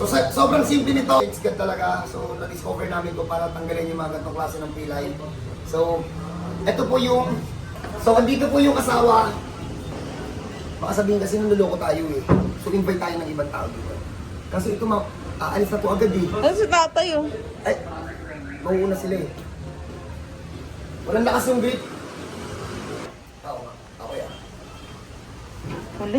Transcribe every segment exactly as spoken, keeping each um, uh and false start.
So sa, sobrang simple nito. It's good talaga. So na-discover namin to para tanggalin yung mga ganitong klase ng pilay. So, ito po yung... So, andito po yung asawa. Baka sabihin kasi naluloko tayo eh. So, invite tayo ng ibang tao dito. Kasi ito, ma aalis na to agad eh. Ano si tatay oh? Ay, mauuna sila eh. Walang lakas yung grip. Ako nga, ako yan. Wala.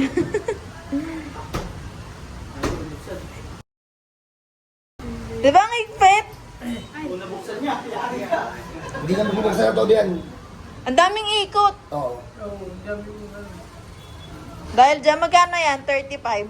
Di ba ang higpit? Hindi na bumubagsa na to diyan. Ang daming ikot. Oo. Dahil dyan, magkano yan? thirty-five.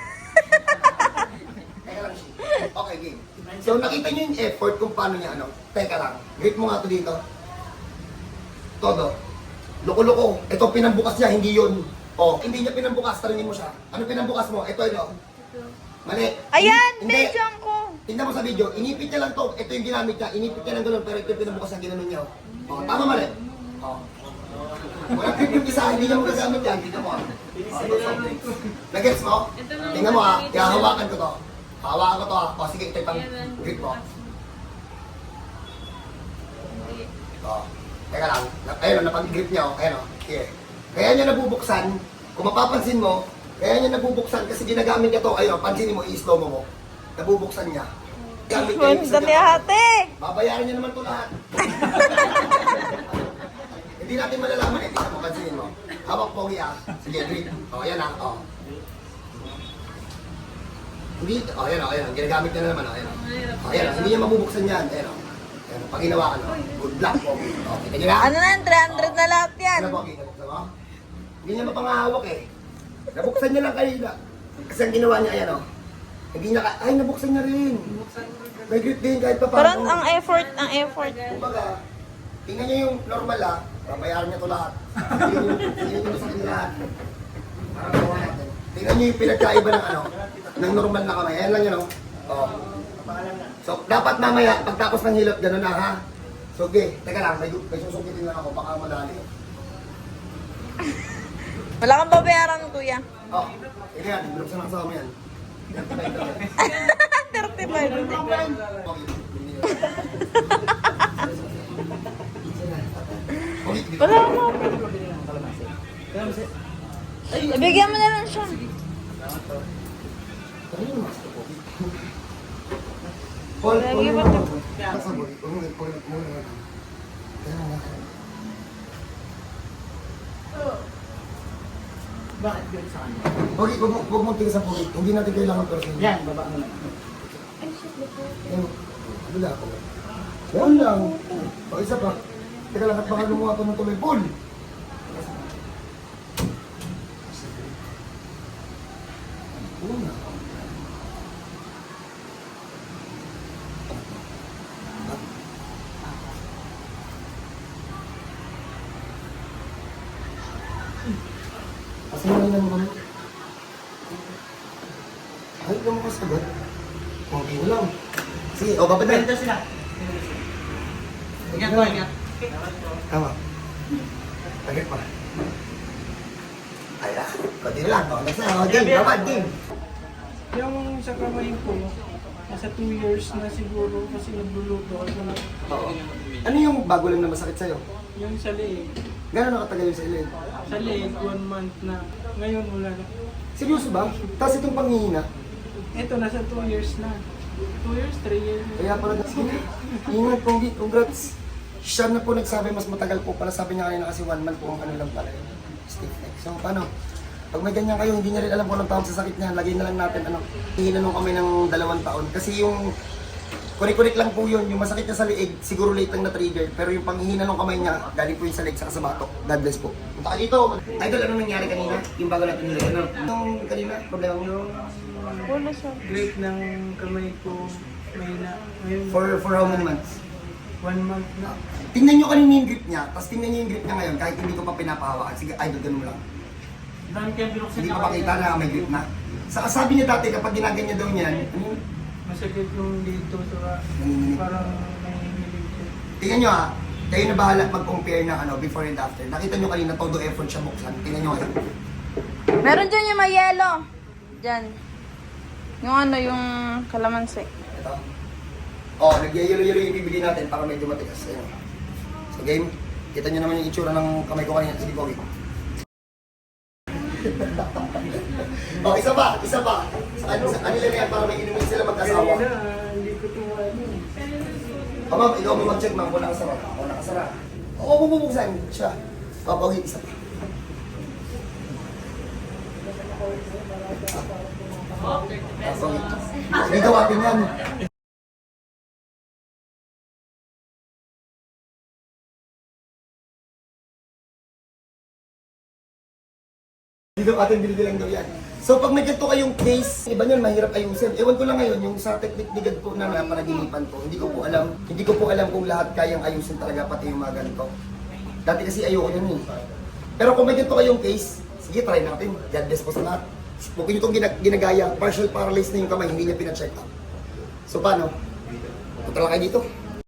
Teka lang siya. Okay, game. So, nakita niyo yung effort kung paano niya, ano? Teka lang. Grip mo nga to dito. Todo. Loko-loko. Ito pinambukas niya, hindi yun. Oh, hindi niya pinambukas. Tanungin mo siya. Ano pinambukas mo? Ito, ito. Mali. Ayan, Hindi. medyan ko. Tingnan mo sa video. Inipit niya lang to. Ito yung ginamit niya. Inipit niya lang gano'n, pero ito yung pinambukas niya, ginanon niya. Oh, tama mali. Oh. Wala grip yung isa, hindi niya mo gagamit yan. Tingnan mo ah. Oh, nag-gets mo? Tingnan mo ah. Hahawakan ko to. Hawakan ko to ah. O sige, ito yung pang grip mo. Oh. Teka lang. Ayun, napag-grip niya oh. Ayun oh. Here. Kaya niya nabubuksan. Kung mapapansin mo, kaya niya nabubuksan kasi ginagamit niya to. Ayun, pansinin mo, i-slow mo mo. Nabubuksan niya. Gamit niya yung Ganda ni ate. babayaran niya naman ito lahat. Hindi natin malalaman eh. Tingnan mo, pansinin mo. Hawak pogi ah. Sige, grip. O, ayan ah. O. Hindi, o, ayan o, ayan. Ginagamit niya na naman o, ayan o. O, ayan o. Hindi niya mabubuksan yan. Ayan o. Ayan o. Pag ginawakan o. Good luck pogi. O, kita niyo na? Ano na yan? three hundred na lahat yan. Ano pogi? Nabuksan mo? Hindi niya mapangahawak eh. Nabuksan niya lang kanina. Kasi ang ginawa niya, ayan o. Hindi niya ka... Ay, nabuksan niya rin. May grip din kahit pa Parang paano. ang effort, ang effort. Kumbaga, tingnan niyo yung normal ah, babayaran niya to lahat. Hindi yung, hindi yung sa akin lahat. Parang gawa natin. Tingnan niyo yung pinagkaiba ng ano, ng normal na kamay. Ayan lang yun oh. Oh. So, dapat mamaya, pagtapos ng hilot, gano'n na ha. So, okay, teka lang, may, may susukitin lang ako, baka madali. Wala kang babayaran, kuya. Oh, ito yan, binuksan ang kasama yan. thirty-five. Wala mo. Ibigyan mo na lang siya. Paul, Lagi Paul, ba Paul, ito? Paul, Paul, Paul, Paul, Bakit yun sa kanya? Pogi, huwag mo, huwag mo tingin sa pogi. Hindi natin kailangan person. Yan, baba mo lang. Yan, wala ako. Yan lang. O, isa pa. Teka lang, at baka lumuha ko ng tuloy. Paul! Una. Kasi nga lang naman. Ay, ikaw mo kasagot. Okay mo lang. Sige, o, babad na. Benta sila. Ingat po, ingat. Tama. Tagad pa. Ay, ah. Kunti na lang. O, next na. O, game. Babad, game. Yung sa kamay ko, nasa two years na siguro kasi nagluluto ako na Oo. Ano yung bago lang na masakit sa'yo? yung sa leeg. Gano'n nakatagal yung sa ilid? Sa leeg, one month na. Ngayon wala na. Seryoso ba? Tapos itong panghihina? Ito, nasa two years na. two years, three years. Kaya pala sige. Ingat, Pogi. Congrats. Siya na po nagsabi mas matagal po pala. Sabi niya kanina kasi one month po ang ano lang pala. Stiff neck. So paano? Pag may ganyan kayo, hindi niya rin alam kung anong tawag sa sakit niya. Lagay na lang natin ano. Hinanong kami ng dalawang taon. Kasi yung kurik-kurik lang po yun. Yung masakit niya sa liig, siguro late lang na-trigger. Pero yung panghihina ng kamay niya, galing po yung sa leg saka sa batok. God bless po. Punta ka dito. Idol, ano nangyari kanina? Yung bago natin nilagay. Ano? Yung kanina, problema mo? Yung Wala siya. grip ng kamay ko, may na. Ngayon, For, for how many months? one month na. Tingnan nyo kanina yung grip niya, tapos tingnan nyo yung grip niya ngayon kahit hindi ko pa pinapahawakan. Sige, idol, ganun mo lang. Dami kayong binuksan Hindi niya ko makita na may grip na. Saka sabi niya dati kapag ginaganyan daw niyan, ano yun? Masakit yung dito, saka Nanginginig. parang nanginginig ko. Tingnan nyo ha, kayo na bahala mag-compare ng ano, before and after. Nakita nyo kanina, todo effort siya buksan. Tingnan nyo ngayon. Meron dyan yung may yellow. Dyan. Yung ano, yung kalamansi. Ito. Oh, nagyayelo-yelo yung ibibigay natin para medyo matigas. Ayun. So game, kita nyo naman yung itsura ng kamay ko kanina. Sige, Pogi. Oh, isa pa, isa pa. Sa ano, sa kanila na yan para may inumin sila mag-asawa. Kaya na, ah, hindi ko ito ano. Oh, ma'am, ikaw mo mag-check, ma'am, kung nakasara. Kung nakasara. Oo, bububuksan siya. Oh, Pogi, isa pa. Ah, Pogi. Sige, gawapin yan. Dito atin bilbilang daw yan. So pag may ganito kayong case, iba nyo, mahirap ayusin. Ewan ko lang ngayon, yung sa technique ni God po na napanaginipan ko, hindi ko po alam, hindi ko po alam kung lahat kayang ayusin talaga, pati yung mga ganito. Dati kasi ayoko yun eh. Pero kung may ganito kayong case, sige, try natin. God bless po sa lahat. Huwag nyo itong ginag ginagaya, partial paralyzed na yung kamay, hindi niya pina-check up. So paano? Punta lang kayo dito.